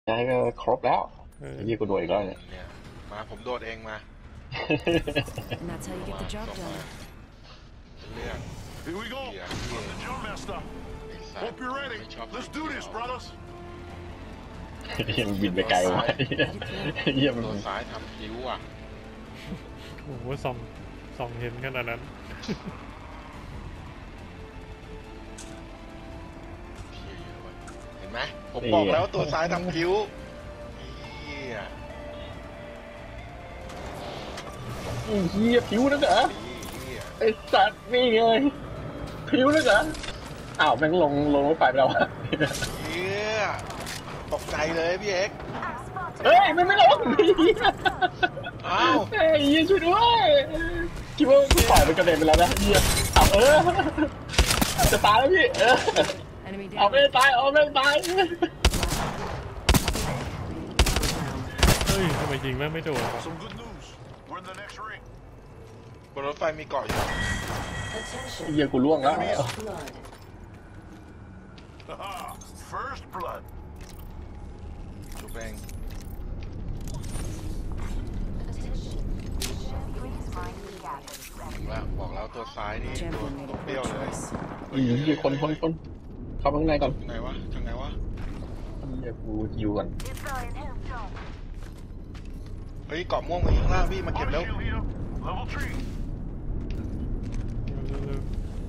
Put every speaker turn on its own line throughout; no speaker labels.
ได้ก็ครบแล้วยี่กูโดนอีกแล้วเนี่ย
เนี่ยมาผมโดดเองมา
And that's how you get the job
ส่งมา
done.
เรื่อง
Here we go. I'm the drill master.
ไอ้สัต
Hope
ว์
you're ready.
ไม่ชอบ
Let's do this, brothers.
ยังบินไปไกลวะเยี่ยม
ตัวซ้ายทำคิ้วอ่ะ
โอ้โหส่องเห็นขนาดนั้น
เที่ยเยอะว่ะเห็นไหมผมบอกแล้วตัวซ้ายทำคิ้วเฮีย
เฮียผิวนักเหรอ
เฮีย
ไอสัตว์นี่ไงผิวนักเหรออ้าวแม่งลงรถไฟไปแล้วอะ
เฮียตกใจเลยพี่เอ็กซ์
เฮ้ยมันไม่ลง
อ้าว
เฮ้ยเฮียช่วยด้วยคิดว่าปล่อยมันกระเด็นไปแล้วนะเฮียเอาจะตายแล้วพี่
Enemy
เอา
down.
ไม่ตายเอาไม่ตาย
เฮ้ยทำไมยิงแม่งไม่โดนวะ
Some good news. We're in the next ring.
บนรถไฟมีเกาะอยู่
เฮียกูล่วงแล้ว
Haha. First blood.
ชูแบงบอกแล้วตัวซ้ายนี่ตัว
Champion made
ตัว
a
เปรี้ยว
good
เลย
choice.
เฮียคนเข้าข้างในก่อน
ทางไหนวะทางไหนวะ
เฮียกูฮิวก่อน
เฮ้ยเกาะม่วงมาอยู่ข้างล่างพี่มาเก็บ
Auto
แล้ว
shield here. Level 3.
เร็ว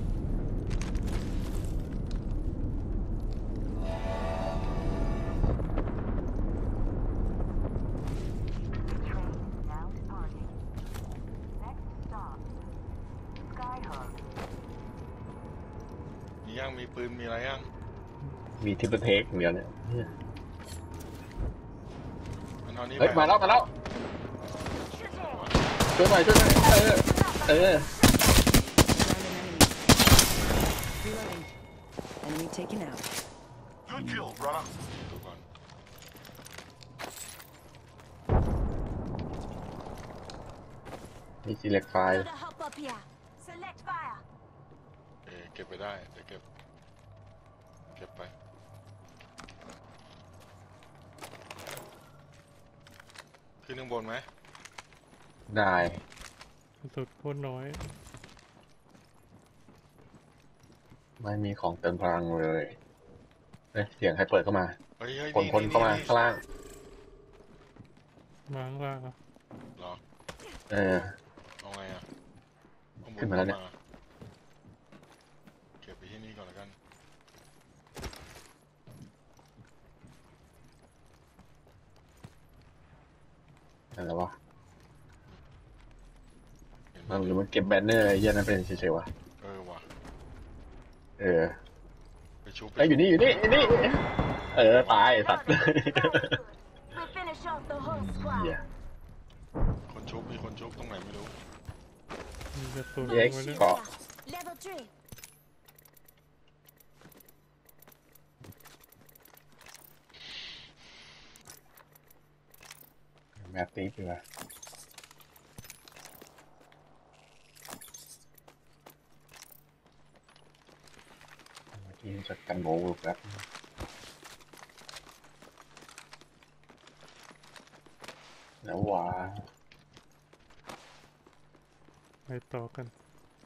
มีย่างมีปืนมีอะไรย่าง
มีทิปเปิลเทคอย่างเดียวเนี่ย
มันเอานี่
เฮ้ย
ไป
มาแล้วช่วยหน่อยเออ
Found an enemy. Reloading. Enemy taken out.
Good kill, brother.
ดูก่อน
มีซีเล็กไฟล์
Gotta hop up here. Select fire.
เก็บไปได้เดี๋ยวเก็บไปขึ้นข้างบนไหม
ได้
สุดโคตรน้อย
ไม่มีของเติมพลังเลยเสียงใครเปิดเข้ามา
เฮ้ยเฮ้ย
คนเข้ามาข้างล่าง
มาข้างล่างอะ
เหรอ เอาไงอ่ะข้งบ
ขึ้นมาแล้วเนี่ย
เก็บไปที่นี่ก่อนแล้วกัน
อะไรวะ
เห็นไหม
หรือมันเก็บแบนเนอร์ไอ้เหี้ยนั่นเป็นเฉยๆวะ
ว่ะ ไปชุบ
ไอ้อยู่นี่ตายไอ้สัตว์
We finish off the whole
เหี้ย
squad.
คนชุบมีคนชุบตรงไหนไม่รู้
มีกระสุน
เอ็ก
ไว้
ซ์
ด้วย
เกาะ
Level 3.
แมตติกดีกว่าเมื่อกี้จัดกันโมลูกแล้วแล้ววะ
ไปต่อกัน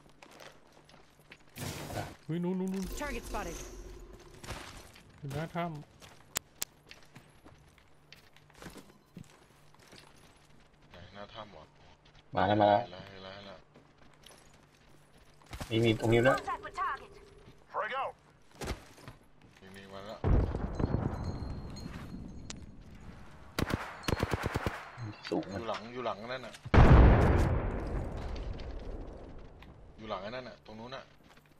อุ้ยนู้น
Target spotted.
อยู่หน้าถ้
ไหนหน้าถ้ำวะ
มาแล้ว
เห็นแล้ว
มีตรงนี้ด้วย
Contact with target.
Frag out.
นี่มาแล้ว
สูง
อ
มัน
ยู่หลังนั่นน่ะอยู่หลังนั่นน่ะตรงนู้นน่ะ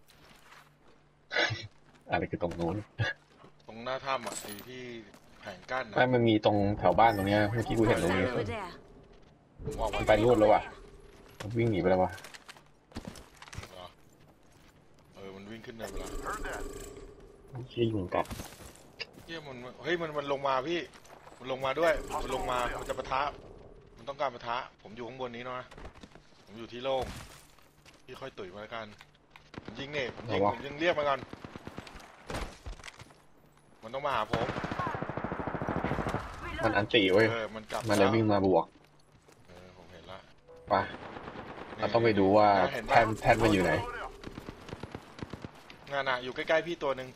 อะไรคือตรงนู้น
ตรงหน้าถ้ำอ่ะไอ้ที่แผงกั้น
ไม่
นะ
มันมีตรงแถวบ้านตรงเนี้ยเมื่อกี้กูเห็นตรงนี้
Over there.
ผมออก
มั
มาน
ไปนู่นแล้วว่ะมันวิ่งหนีไปแล้วว่ะ
เหรอมันวิ่งขึ้นในเวลา
Heard that.
ชี้ยุงกัด
เฮ้ยมันลงมาพี่มันลงมาด้วยมันลงมามันจะปะทะมันต้องการปะทะผมอยู่ข้างบนนี้นะผมอยู่ที่โล่งพี่ค่อยตุ๋ยมาแล้วกันผมยิงเนี่ยผมยิงเรียกมาก่อนมันต้องมาหาผม
มันอันติเว้ย
มันกลับ
มันเลยวิ่งมาบวก
ผมเห็นละ
ไปเราต้องไปดูว่าแท่นมันอยู่ไหน
งานอยู่ใกล้ๆพี่ตัวหนึ่ง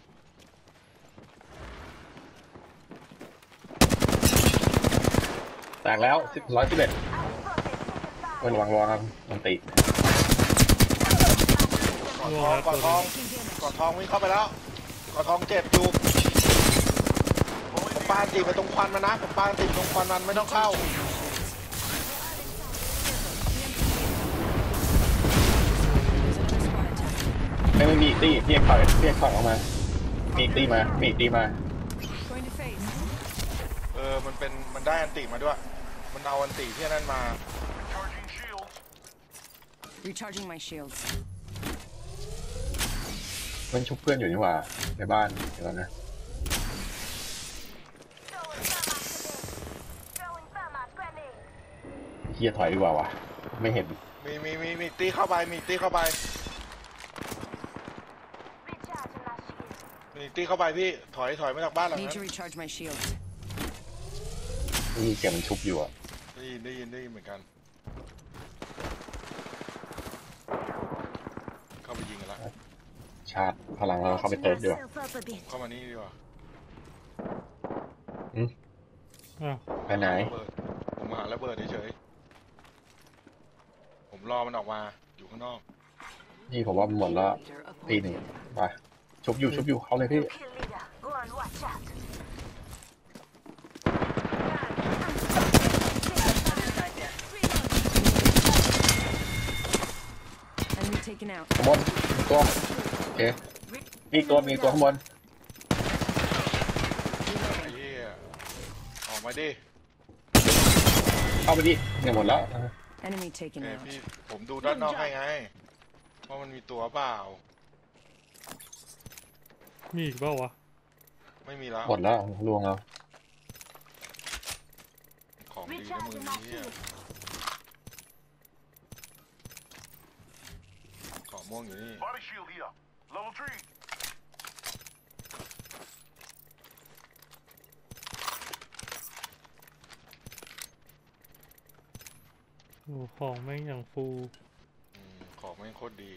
แตกแล้ว111มันวางมันติ
กอดทองวิ่งเข้าไปแล้วกอดทองเจ็บอยู่ผมปาตีไปตรงควันมันนะผมปาตีตรงควันมันไม่ต้องเข้า
ไม่มีอีกตี้เรียกถอยออกมามีอีกตี้มา
Going to phase.
มันได้อันติมาด้วยมันเอาอันติที่นั่นมา
Recharging shields.
Recharging my shields.
มันชุบเพื่อนอยู่นี่หว่าในบ้านเดี๋ยวนะ
Throwing thermite grenade.
เฮียถอยดีกว่าวะไม่เห็น
มีตีเข้าไปมีตีเข้าไป
Recharging my shield.
มีตีเข้าไปพี่ถอยมาจากบ้านหลัง
Need
นั้น
to recharge my shields.
มีเสียงมันชุบอยู่อะ
ได้ยินเหมือนกันเข้าไปยิงกันละ
ชาร์จพลังเราเข้าไปเติมดีกว่า
Myself up a bit.
เข้ามานี่ดีกว่า
อ้าว
ไปไหน
ผมหาระเบิดเฉยๆผมรอมันออกมาอยู่ข้างนอก
นี่ผมว่ามันหมดแล้วตีหนึ่งไปชุบอยู่เขาเลยพี่
Kill leader. Go on, watch out.
Enemy taken out.
ข้างบนมีตัวโอเคมีตัวข้างบน
ไอ้เหี้ยออกมาดิ
เข้าไปดิเนี่ยหมดแล้ว
Enemy taken
พี่
out.
ผมดูด้านนอกให้ไงว่ามันมีตัวเปล่า
มีอีกเปล่าวะ
ไม่มีแล้ว
หมดแล้วลวงแล้ว
ของดีนะมือ
Recharging my
นี้
shield.
ของม่วงอยู่นี่
Body shield here. Level 3.
โอ้ของแม่งอย่างฟู
ของไม่งโคตรดี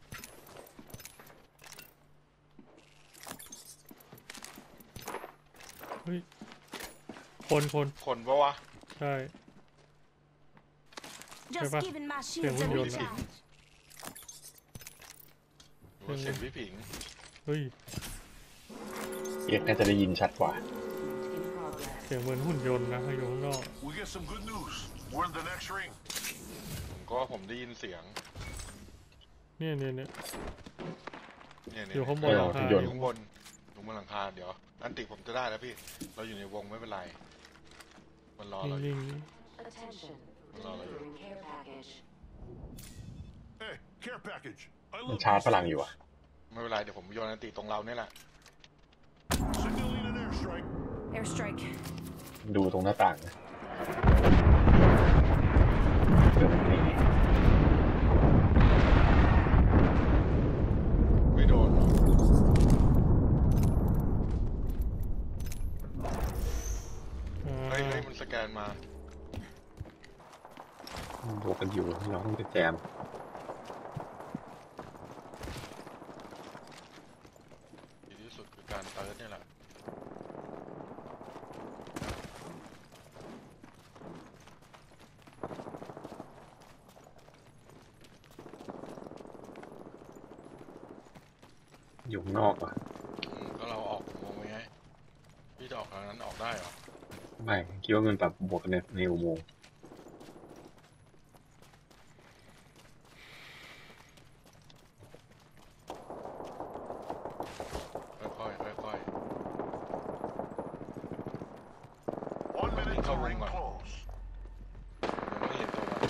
เฮ้ยคน
คนปะวะ
ใช่
Just
Apa?
giving my shields a
Yang unjuk.
recharge.
หรือว่าเสียงพี่ผิง
เฮ้ย
เอกน่าจะได้ยินชัดกว่า
เสียงเหมือนหุ่นยนต์นะอยู่ข้างนอก
We get some good news. We're in the next ring.
ผมได้ยินเสียง
เนี่ย
เนี่ย
อยู่ข้างบน
เออ
หลังคา
หุ่นยนต์
อยู่ข้างบนลงบนหลังคาเดี๋ยวอันติผมจะได้แล้วพี่ เราอยู่ในวงไม่เป็นไร มันรอเราอยู่
นิ่ง
Attention.
Well, no, no.
Delivering care package.
Hey, care package. I
มัน
love
ชาร์จ
this.
พลังอยู่อะ
ไม่เป็นไรเดี๋ยวผมโยนอันติตรงเราเนี่ยแหละ
Signaling an airstrike.
Airstrike.
ดูตรงหน้าต่างนะเดี๋ยวมันหนี
ไม่โดน
ๆอ่า
เฮ้ยมันสแกนมา
บวกกันอยู่เราต้องไปแจม
ดีที่สุดคือการเติร์ดเนี่ยแหละ
อยู่ข้างนอกอะ
ก็เราออกอุโมงค์ไว้ไงพี่จะออกทางนั้นออกได้เหรอ
ไม่คิดว่ามันแบบบวกกันในอุโมงค์
ค่อย
1 minute till
Come
ring
on.
close.
ยังไม่เห็นตัวมัน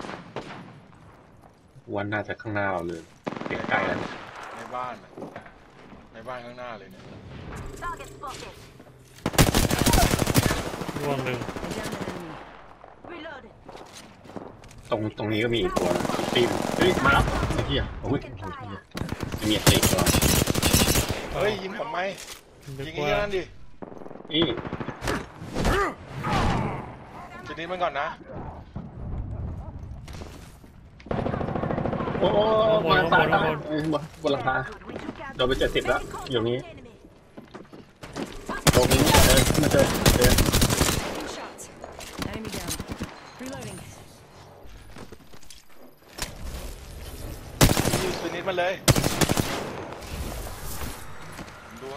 วันน่าจะข้างหน้าเราเลยใกล้ๆแล้ว
ในบ้านน่ะในบ้านข้างหน้าเลยเนี่ย
Target spotted.
ร่วงหนึ่ง
I downed an enemy.
Reloaded.
ตรงนี้ก็มีอีกตัวตีมเฮ้ยมาแล้วไอ้เหี้ยโอ้ยโอ้ยเหี้ยจะมีติดตัว
เฮ้ยยิงผมไหม
นึก
ยิงไอ้
ว่า
นั่นดิ
นี่
ฟินิชมันก่อนนะ
โอ้มาซ้ายบนหลังคา
Good, we took out
โดนไป70แล้วอยู่นี้
enemy.
ตรงนี้มาเจอ
Taking shots. Enemy down. Reloading.
ยูฟินิชมันเลยผมดูให้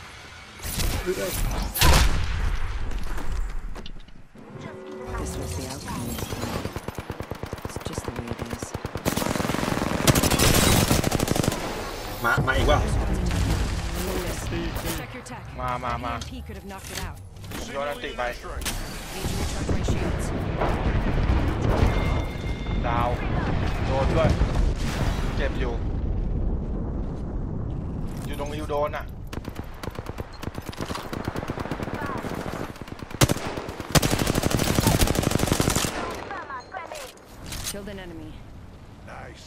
This was the outcome. It's just the way it is.
มาอีกว่า
Check your tech.
มา
EMP could have knocked it out.
โยนอันติไป
Need to recharge my shields.
ดาวโดนด้วย เจ็บอยู่ อยู่ตรงฮิวโดนอ่ะ
Killed an enemy.
Nice.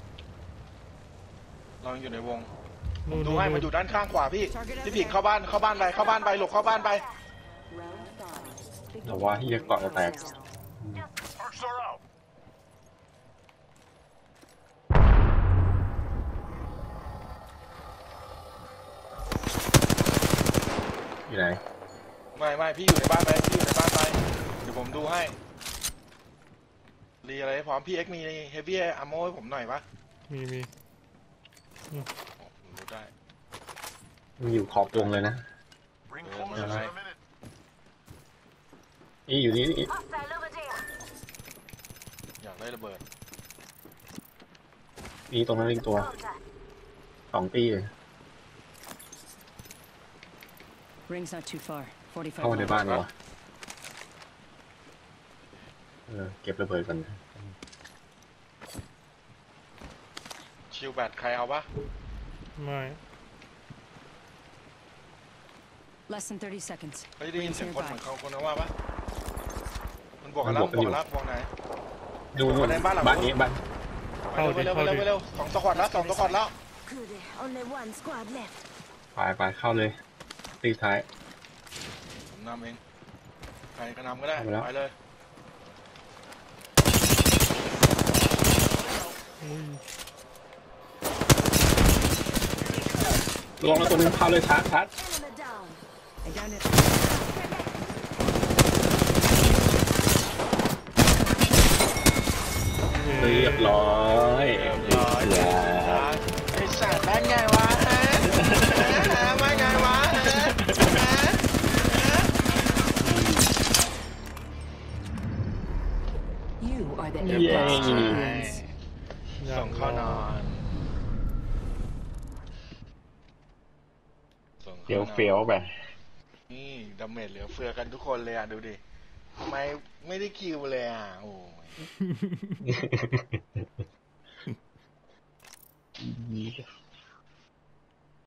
เรายังอยู่ในวง
นู่น
ดู
นู่น
ให้
นู่
มัน
น
อยู่ด้านข้างขวาพี่พี่ผิงเข้าบ้านไปหลบเข้าบ้านไป
Round 5.
แต่ว่าที่จะเกาะจะแตก
Arcs are out.
อยู่ไหน
ไม่พี่อยู่ในบ้านไปเดี๋ยวผมดูให้รีอะไรให้พร้อมพี่เอ็กมีเฮฟวี่อาร์โมให้ผมหน่อยปะ
มี
โอ้ผมรู้ได้
มันอยู่ขอบวงเลยนะ
Ring
Yeah,
closes in
man.
a minute.
นี่อยู่นี่
Hostile over there.
อยากได้ระเบิด
นี่ตรงนั้นอีกตัว
Contact.
2 ตีเลย
Ring's not too far. 45
เข้ามาใน
miles.
บ้านเหรอเก็บระเบิดกัน
ชิลแบตใครเอาปะ
ไม่
Less than 30 seconds.
เฮ้ยได้ยิน
Rings
เสียงคนเหมือน
nearby.
เขาคนนะว่าปะมันบอกกันแล้วบอกไหน
ดูนู่น
ในบ้านหลัง
บ้านนี้บ้าน
ไปเร็วสองตะขวดแล้ว
Good. Only one squad left.
ไปเข้าเลยตีท้าย
ผมนำเองใครก็นำก็ได้
เอาไปแล้ว
ไปเลย
ลงแล้วตัวนึงเข้าเลยชาร์จ
Enemy down.
I downed it.
เรียบร้อยเรียบร้อย
ไอ้สัตว์ได้ไงวะไม่ไงวะ
You are the
เย้
Apex champions.
ส่งเข้านอนส่ง
เฟี้ยว
ข้านอน
เฟี้ยวไป
นี่ดาเมจเหลือเฟือกันทุกคนเลยอ่ะ ดูดิทำไมไม่ได้คิวเลยอ่ะ โอ้ย
Yeah.